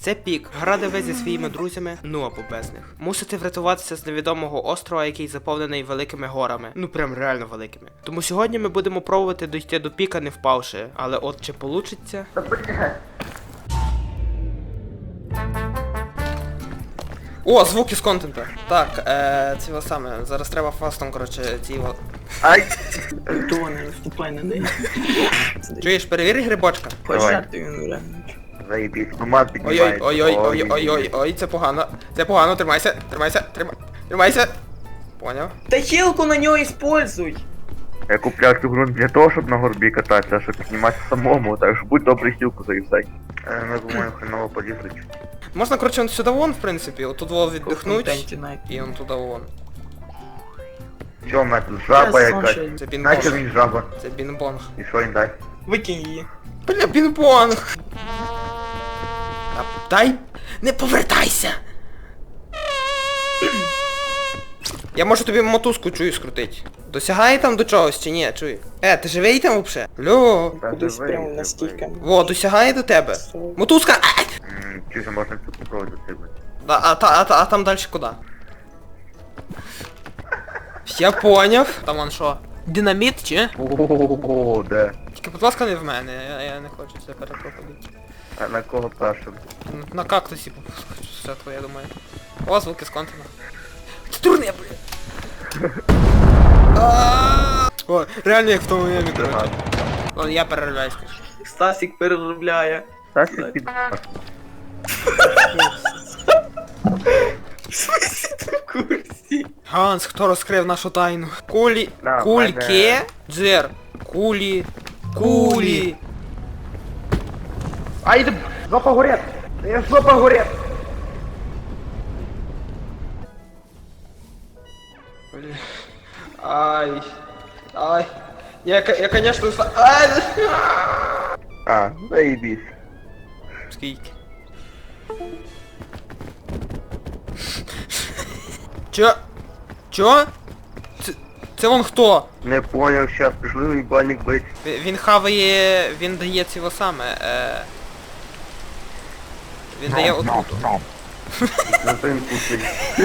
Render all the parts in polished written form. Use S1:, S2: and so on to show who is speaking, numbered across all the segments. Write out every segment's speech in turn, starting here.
S1: Це пік. Гра, де ви зі своїми друзями, ну або без них. Мусите врятуватися з невідомого острова, який заповнений великими горами. Ну прям реально великими. Тому сьогодні ми будемо пробувати дійти до піка, не впавши. Але от чи получиться? О, звуки з контенту. Так, це саме. Зараз треба фастом, коротше, ці.
S2: Ай!
S3: Того не наступай на неї.
S1: Чуєш, перевір грибочка.
S3: Пожарти він реально.
S2: Заєбісь, туман піднімається.
S1: Ой-ой-ой, це погано. Це погано, тримайся. Тримайся. Поняв?
S3: Та хілку на нього используй!
S2: Я купляв цю гру не для того, щоб на горбі кататися, а щоб підніматися самому, так що будь добрий хілку заїздай. Ми думаємо, хреново полізуть.
S1: Можна, коротше, он сюди вон, в принципі, отут вон віддихнуть.
S3: Контенті найти.
S1: І он туди вон.
S2: Чо, в мене тут жаба
S3: Я
S2: якась?
S3: сонше.
S1: Це
S2: Наче
S1: бінбонг.
S2: він жаба.
S1: Це бінбонг.
S2: І що він дай?
S3: Викинь її.
S1: Бля, бінбонг! Дай! Не повертайся! Я можу тобі мотузку, чую, скрутить. Досягає там до чогось чи ні, чуй? Ти живий там вообще? Льо!
S2: Та
S3: Кудись
S2: живий,
S3: прямо
S2: живий.
S3: настільки.
S1: Во, досягає до тебе. Мотузка! Ай!
S2: Чуся, можна тут попробувати стрибнути.
S1: А там дальше куди? Я поняв. Там он що? Динаміт чи?
S2: Ого, де?
S1: Тільки, будь ласка, не в мене, я не хочу це перепроходити.
S2: А на кого першим?
S1: На кактусі все твоє, думаю. О, звуки з контента. Ти дурне, бля! О, реально як в тому мемі, короче. Ладно, я перериваюсь.
S3: Стасік переробляє.
S2: Та ти під...
S3: В смысле ти в курсі?
S1: Ганс, хто розкрив нашу тайну? Кулі...
S2: Да,
S1: Кульки?
S2: мене.
S1: Джер. Кулі.
S2: Ай, ти жопа горет! Я жопа горет!
S1: Бля. Ай. Я конечно... Ай!
S2: А, заєбісь.
S1: Скільки? Чо? Це вон хто?
S2: Не поняв, щас пішли їбальник бить.
S1: Він хаває... Він дає цього саме, Він дає отруту.
S2: На тим кусить.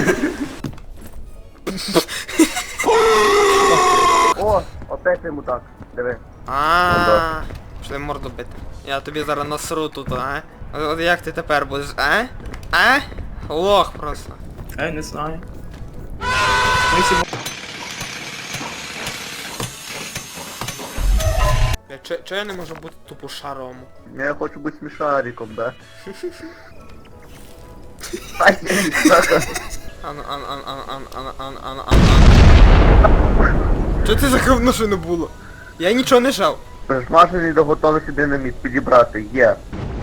S2: О, опять йому так. Диви.
S1: Ааа. Пішли морду бити. Я тобі зараз насру тут, а? От як ти тепер будеш, а? А? Лох просто.
S3: Я не знаю. Ми всі
S1: Чо я не можу бути тупо шаром?
S2: Я хочу бути смішариком, да? Ай, сука.
S1: Чо це за говно що не було? Я нічого не жав.
S2: Присмажений до готовності динаміт підібрати, є.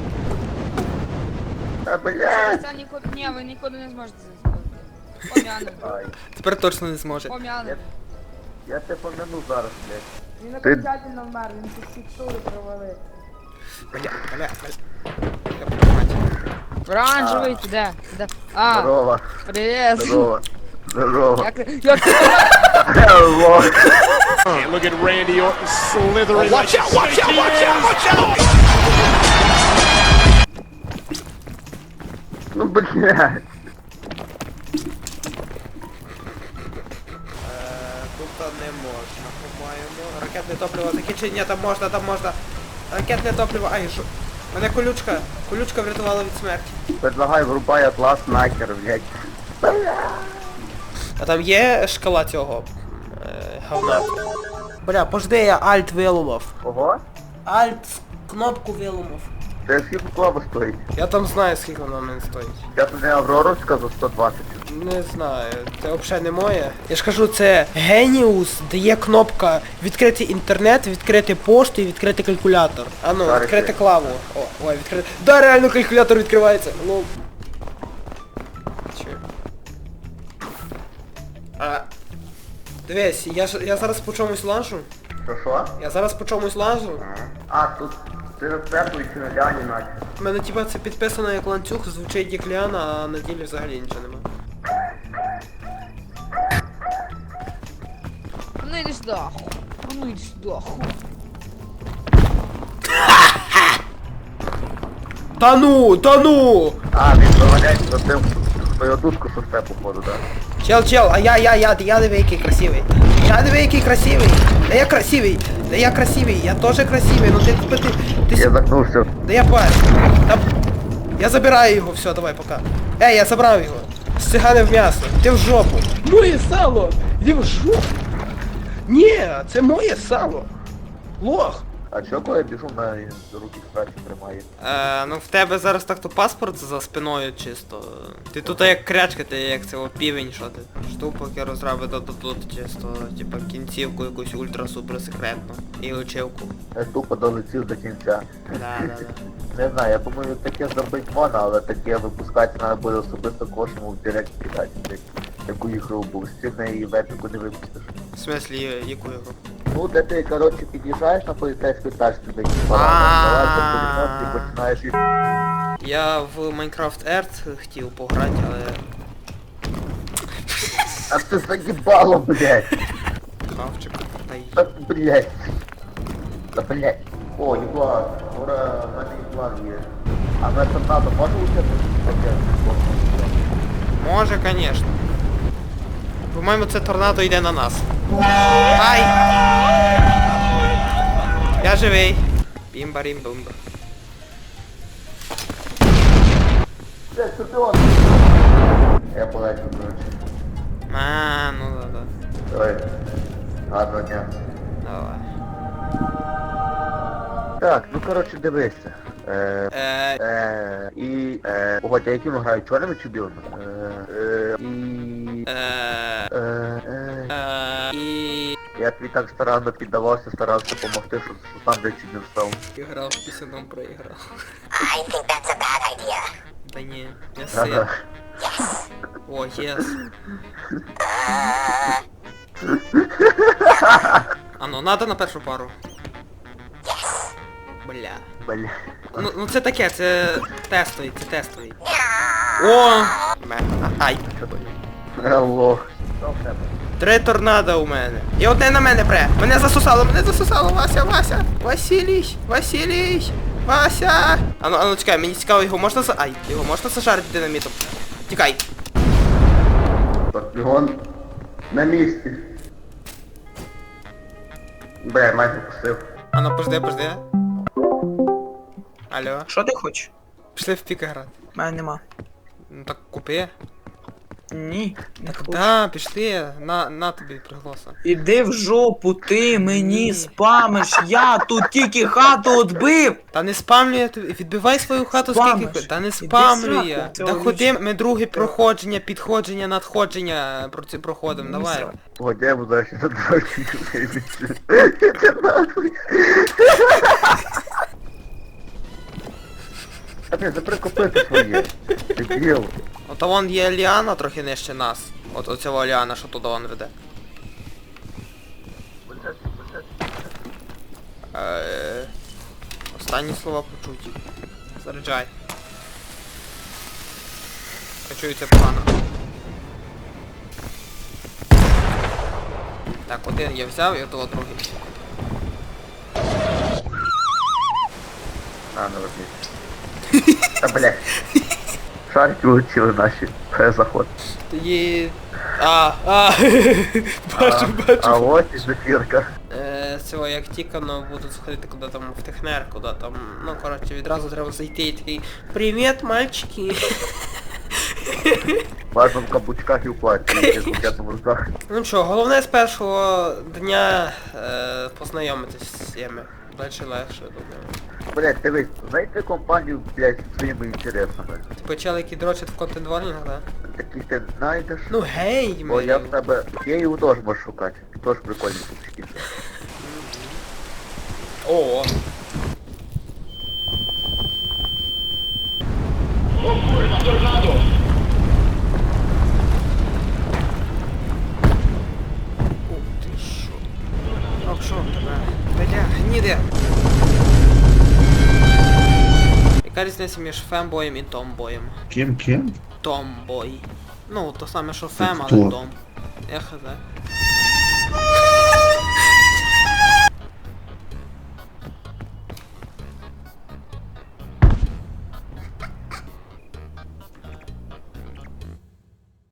S2: Та блядь!
S4: Це ніколи... Ні, ви ніколи не зможете це зробити. Пом'яне.
S2: Ай,
S1: Тепер точно не зможе.
S4: Пом'яне.
S2: я тебе помяну зараз, блядь.
S4: Він
S2: Ти-
S4: окончательно вмер, він тут текстури провалив.
S1: Бля.
S4: Оранжевий, ти де? Де? А,
S2: Здорово,
S4: привіт.
S2: здорово, здорово.
S4: Як ти...
S2: Hello.
S5: And look at Randy Orton slithering. Watch out! Watch out! Watch out! Watch out!
S2: Ну, блядь.
S1: Тут не можна, по-моєму. Ракетне топливо закінчення, там можна. Ракетне топливо, ай, що? Мене колючка врятувала від смерті.
S2: Предлагай, врубай атлас нахер, блядь.
S1: А там є шкала цього? Говна. Бля, пожди, я альт виломав.
S2: Ого?
S1: Альт кнопку виломав.
S2: Це скільки клава стоїть?
S1: Я там знаю, скільки вона в мене стоїть.
S2: Я тобі Авроровська за 120.
S1: Не знаю, це взагалі не моє. Я ж кажу, це Genius, де є кнопка відкрити інтернет, відкрити пошту і відкрити калькулятор. А ну,
S2: Зараз
S1: відкрити
S2: я.
S1: клаву. Ой, відкрити. Да, реально калькулятор відкривається. Ну. Чо? Дивись, я зараз по чомусь лажу.
S2: Що?
S1: Я зараз по чомусь лажу.
S2: А, тут ти на церкву і чи на ляні наче.
S1: У мене типа це підписано як ланцюг, звучить як ліана, а на ділі взагалі нічого нема.
S4: Ну йди сюди, аху. Ну йди сюди, аху.
S1: Та ну!
S2: А, він доганяється за тим, хто його душку состе, походу, так?
S1: Чел, а я диви який красивий. Я диви який красивий. Да я красивий. Да я красивий. Я тоже красивий. Ну ти
S2: Я загнувся.
S1: Да я парень. Та... Я забираю його, все, давай, пока. Я забрав його. Сциганив м'ясо. Ти в жопу.
S6: Моє сало! Іди в жопу! Ні, це моє сало! Лох!
S2: А чого коли я біжу на руки краще тримає?
S1: Ну в тебе зараз так-то паспорт за спиною чисто. Ти тут як крячка, ти як це півень, що ти? Штупок розраби тут чисто, типа кінцівку якусь ультра-супер секретну. І очівку.
S2: Я тупо долетів до кінця.
S1: Да.
S2: Не знаю, я думаю, таке зробити можна, але таке випускати треба буде особисто кожному в директ кидати. Яку ігру був, з неї в епіку не випустиш.
S1: В смислі, яку ігру?
S2: Ну, де ти, коротше, під'їжджаєш на поліцейську тачку, де і починаєш їх.
S1: Я в Minecraft Earth хотів пограти, але...
S2: А це заїбало, блядь!
S1: Хавчик, та й...
S2: Та, блядь! Та, блядь! О, єблан! Ура, в мене єблан є. А на торнадо може участвувати?
S1: Може, конечно. По-моєму, це торнадо йде на нас. Ай! Я живий. Бімба-рім-бумба.
S2: Це чемпіон! Я полечу, коротше.
S1: Ну да.
S2: Давай. Гарного дня.
S1: Давай.
S2: Так, ну коротше дивися. Погодь, а яким грають, чорними чи білими? Я тобі так старанно піддавався, старався допомогти, щоб сам де чуть не встав.
S1: Грав, пісюном проіграв.
S7: I think that's a bad idea.
S1: Та ні, я син.
S2: Ага.
S1: О, єс. Надо на першу пару. Бля.
S2: Бля.
S1: Ну це таке, це тестовий. О! Ай.
S2: Алло.
S1: 3 торнадо у мене. І одне на мене пре. Мене засосало, Вася. Вася. Ану, чекай, мені цікаво, його можна його можна зажарити динамітом? Тікай.
S2: Скорпіон на місці. Бля, майже пустив.
S1: Пожди. Алло.
S3: Що ти хочеш?
S1: Пішли в піка грати.
S3: У мене нема.
S1: Ну так купи.
S3: Ні, не хочу.
S1: Да, пішли. На тобі пригласа.
S3: Іди в жопу, ти мені спамиш, я тут тільки хату відбив!
S1: Та не спамлю я тобі, відбивай свою хату
S3: Спамиш.
S1: скільки. Та не
S3: Іди
S1: спамлю
S3: сраку.
S1: я.
S3: Цього
S1: Та ходи, ми другий проходження, підходження, надходження проходимо, давай.
S2: Погодь, я буду ще за трохи вибачте. Це нахуй. А ти заприкопити своє. Дебіл.
S1: Ото вон є Ліана трохи нижче нас. От оцього Ліана, що туди он веде. Останні слова почуті. Заряджай. Почую це погано. Так, один я взяв і того другий.
S2: А, ну робіть. Та блядь. Шарики влетіли наші. Заход.
S1: Тоді... Бачу.
S2: А ось і зефірка.
S1: З цього як тікано буду заходити куди там в технер, куди там, ну коротше відразу треба зайти і такий привіт, мальчики.
S2: Важно в каблучках і в платі, в букетному руках.
S1: Ну що, головне з першого дня познайомитись з цими. Дальше легше, думаю.
S2: Блять, дивись, знайти компанію, блять, зі своїми інтересами.
S1: Ти почали, які дрочать в контент-варнінгах, да?
S2: Таких ти знайдеш.
S1: Ну гей,
S2: Бо я в тебе Київ теж можу шукати. Теж прикольні купчики.
S1: О. Ух ти шо. Ох, шо тебе? Бля, гніде. Яка різниця між фембоєм і томбоєм?
S8: Кем?
S1: Томбой. Ну, то саме, що фем,
S8: хто?
S1: але том. Я хз.